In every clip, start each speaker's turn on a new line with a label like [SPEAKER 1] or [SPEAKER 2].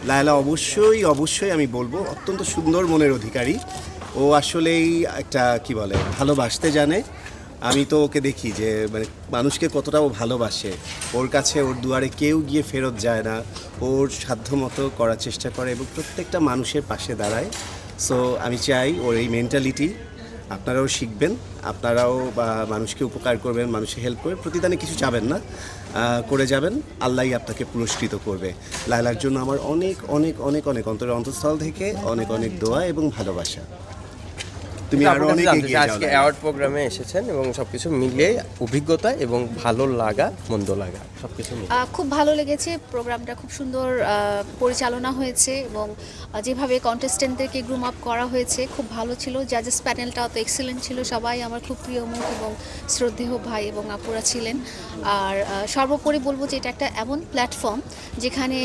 [SPEAKER 1] লায়লা অবশ্যই অবশ্যই আমি বলবো অত্যন্ত সুন্দর মনের অধিকারী। ও আসলেই একটা কি বলে ভালোবাসতে জানে। আমি তো ওকে দেখি যে মানে মানুষকে কতটা ও ভালোবাসে। ওর কাছে ওর দুয়ারে কেউ গিয়ে ফেরত যায় না। ওর সাধ্যমতো করার চেষ্টা করে এবং প্রত্যেকটা মানুষের পাশে দাঁড়ায়। সো আমি চাই ওর এই মেন্টালিটি আপনারাও শিখবেন, আপনারাও বা মানুষকে উপকার করবেন, মানুষকে হেল্প করবেন, প্রতিদানে কিছু চাবেন না, করে যাবেন, আল্লাহই আপনাকে পুরস্কৃত করবে। লায়লার জন্য আমার অনেক অনেক অনেক অনেক অন্তরের অন্তঃস্থল থেকে অনেক অনেক দোয়া এবং ভালোবাসা। তুমি আরো অনেক এগিয়ে যাও।
[SPEAKER 2] আজকে অ্যাওয়ার্ড প্রোগ্রামে এসেছেন এবং সবকিছু মিলিয়ে অভিজ্ঞতা এবং ভালো লাগা মন্দ লাগা সবকিছু মিলিয়ে
[SPEAKER 3] খুব ভালো লেগেছে। প্রোগ্রামটা খুব সুন্দর পরিচালনা হয়েছে এবং যেভাবে কন্টেস্টেন্টদেরকে গ্রুম আপ করা হয়েছে খুব ভালো ছিল। জাজেস প্যানেলটাও তো এক্সিলেন্ট ছিল, সবাই আমার খুব প্রিয় মুখ এবং শ্রদ্ধেয় ভাই এবং আপুরা ছিলেন। আর সর্বোপরি বলবো যে এটা একটা এমন প্ল্যাটফর্ম যেখানে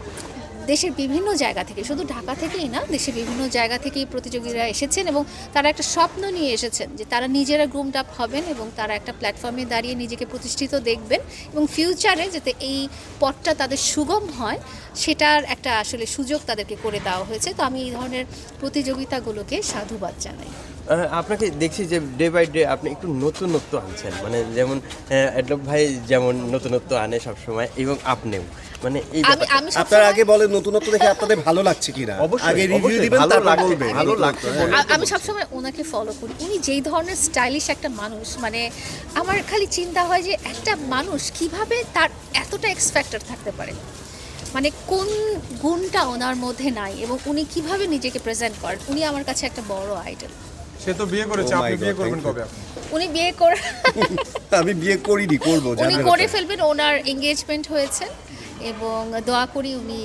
[SPEAKER 3] দেশের বিভিন্ন জায়গা থেকে, শুধু ঢাকা থেকেই না, দেশের বিভিন্ন জায়গা থেকেই প্রতিযোগীরা এসেছেন এবং তারা একটা স্বপ্ন নিয়ে এসেছেন যে তারা নিজেরা গ্রুমড আপ হবেন এবং তারা একটা প্ল্যাটফর্মে দাঁড়িয়ে নিজেকে প্রতিষ্ঠিত দেখবেন এবং ফিউচারে যাতে এই পথটা তাদের সুগম হয় সেটার একটা আসলে সুযোগ তাদেরকে করে দেওয়া হয়েছে। তো আমি এই ধরনের প্রতিযোগিতাগুলোকে সাধুবাদ জানাই।
[SPEAKER 2] আপনাকে দেখছি যে ডে বাই ডে আপনি একটু নতুনত্ব আনছেন, মানে যেমন অ্যাডলব ভাই যেমন নতুনত্ব আনে সবসময় এবং আপনিও মানে এই
[SPEAKER 1] আপনারা আগে বলেন নতুনত্ব দেখে আপনাদের ভালো লাগছে কিনা, আগে রিভিউ দিবেন তারপর বলবেন।
[SPEAKER 2] ভালো লাগছে।
[SPEAKER 3] আমি সবসময় ওনাকে ফলো করি, উনি যেই ধরনের স্টাইলিশ একটা মানুষ, মানে আমার খালি চিন্তা হয় যে একটা মানুষ কিভাবে তার এতটা এক্স ফ্যাক্টর থাকতে পারে, মানে কোন গুণটা ওনার মধ্যে নাই এবং উনি কিভাবে নিজেকে প্রেজেন্ট করেন। উনি আমার কাছে একটা বড় আইডল।
[SPEAKER 4] সে তো বিয়ে করেছে, আপনি বিয়ে করবেন কবে? আপনি
[SPEAKER 3] উনি বিয়ে করে
[SPEAKER 1] আমি বিয়ে করিনি, করব,
[SPEAKER 3] উনি করে ফেলবেন। ওনার এঙ্গেজমেন্ট হয়েছে এবং দোয়া করি উনি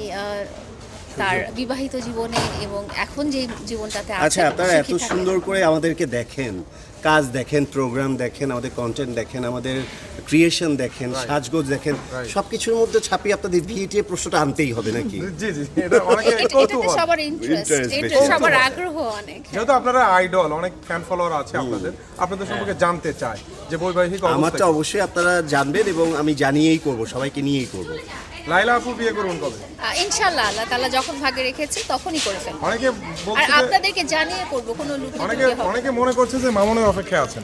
[SPEAKER 3] তার বিবাহিত জীবনে এবং এখন যে জীবনটাতে আছে।
[SPEAKER 1] আচ্ছা, আপনারা এত সুন্দর করে আমাদেরকে দেখেন, কাজ দেখেন, প্রোগ্রাম দেখেন, আমাদের কন্টেন্ট দেখেন, আমাদের ক্রিয়েশন দেখেন, সাজগোজ দেখেন, সবকিছুর মধ্যে ছাপিয়ে আপনাদের ভিটিএ প্রশ্নটা আনতেই হবে নাকি?
[SPEAKER 4] জি জি, এটা অনেকে কৌতূহল,
[SPEAKER 3] সবার ইন্টারেস্ট, এটা সবার আগ্রহ অনেক।
[SPEAKER 4] যেহেতু আপনারা আইডল, অনেক ফ্যান ফলোয়ার আছে আপনাদের সম্পর্কে জানতে চায় যে বৈবাহিক অবস্থা।
[SPEAKER 1] আমারটা অবশ্যই আপনারা জানবেন এবং আমি জানিয়েই করব, সবাইকে নিয়েই করব।
[SPEAKER 4] লায়লা আপু বিয়ে করুন কবে?
[SPEAKER 3] ইনশাআল্লাহ আল্লাহ তাআলা যখন ভাগে রেখেছে তখনই করে ফেলব।
[SPEAKER 4] অনেকে
[SPEAKER 3] আর
[SPEAKER 4] বলছে যে
[SPEAKER 3] আপনাদেরকে জানিয়ে করব, কোনো
[SPEAKER 4] অনেকে মনে করছে যে মামুনের অপেক্ষায় আছেন।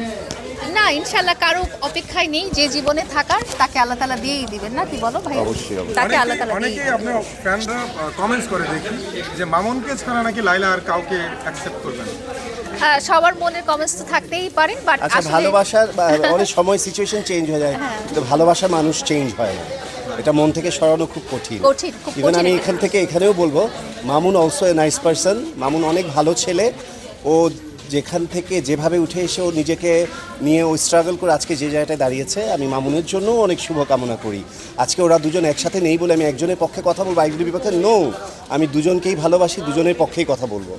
[SPEAKER 3] না, ইনশাআল্লাহ কারো অপেক্ষায় নেই। যে জীবনে থাকার তাকে আল্লাহ তাআলা দিয়েই দিবেন, না কি বলো ভাই?
[SPEAKER 1] অবশ্যই।
[SPEAKER 3] তাকে আল্লাহ তাআলা
[SPEAKER 4] অনেকেই আপনার ফ্যানরা কমেন্টস করে দেখি যে মামুনকে ছাড়া নাকি লায়লা আর কাউকে অ্যাকসেপ্ট করবে না।
[SPEAKER 3] সবার মনের কমেন্টস তো থাকতেই পারে, বাট
[SPEAKER 1] আচ্ছা, ভালোবাসার অনেক সময় সিচুয়েশন চেঞ্জ হয়ে যায়, কিন্তু ভালোবাসার মানুষ চেঞ্জ হয় না। এটা মন থেকে সরানো খুব কঠিন। ইভেন আমি এখান থেকে এখানেও বলবো, Mamun also a nice person. Mamun অনেক ভালো ছেলে। ও যেখান থেকে যেভাবে উঠে এসে ও নিজেকে নিয়ে ও স্ট্রাগল করে আজকে যে জায়গাটায় দাঁড়িয়েছে, আমি মামুনের জন্য অনেক শুভকামনা করি। আজকে ওরা দুজন একসাথে নেই বলে আমি একজনের পক্ষে কথা বলবো, আরেকজনের বিপক্ষে নো। আমি দুজনকেই ভালোবাসি, দুজনের পক্ষেই কথা বলবো।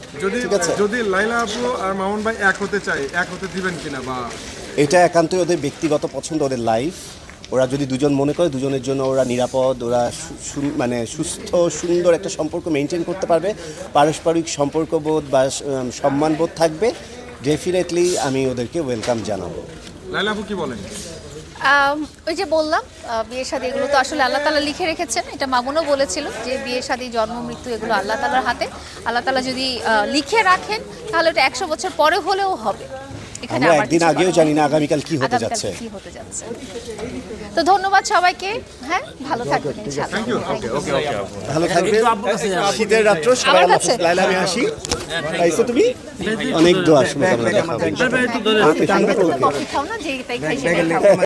[SPEAKER 4] যদি লায়লা আপু আর মামুন ভাই এক হতে চায়, এক হতে দিবেন কিনা? বা
[SPEAKER 1] এটা একান্তই ওদের ব্যক্তিগত পছন্দ, ওদের লাইফ। ওরা যদি দুজন মনে করে দুজনের জন্য ওরা নিরাপদ, ওরা মানে সুস্থ সুন্দর একটা সম্পর্ক মেনটেন করতে পারবে, পারস্পরিক সম্পর্কবোধ বা সম্মানবোধ থাকবে, ডেফিনেটলি আমি ওদেরকে ওয়েলকাম জানাবো।
[SPEAKER 4] লায়লা আপু কি বলেন?
[SPEAKER 3] ওই যে বললাম, বিয়ে শাদী এগুলো তো আসলে আল্লাহ তাআলা লিখে রেখেছেন। এটা মামুনও বলেছিল যে বিয়ে শাদী, জন্ম, মৃত্যু এগুলো আল্লাহ তাআলার হাতে। আল্লাহ তাআলা যদি লিখে রাখেন তাহলে এটা 100 বছর পরে হলেও হবে।
[SPEAKER 1] আমরা একদিন আগেও জানি না আগামীকাল কি হতে যাচ্ছে।
[SPEAKER 3] তো ধন্যবাদ সবাইকে। হ্যাঁ, ভালো থাকবেন ইনশাআল্লাহ।
[SPEAKER 1] ভালো থাকবেন। শীতের রাত্র সবাই আল্লাহ হাফেজ। লায়লা আমি আসি। আইছো তুমি? অনেক দোয়া শুভকামনা।
[SPEAKER 3] কফি খাও না, যে তাই খাই সেটাই খাও।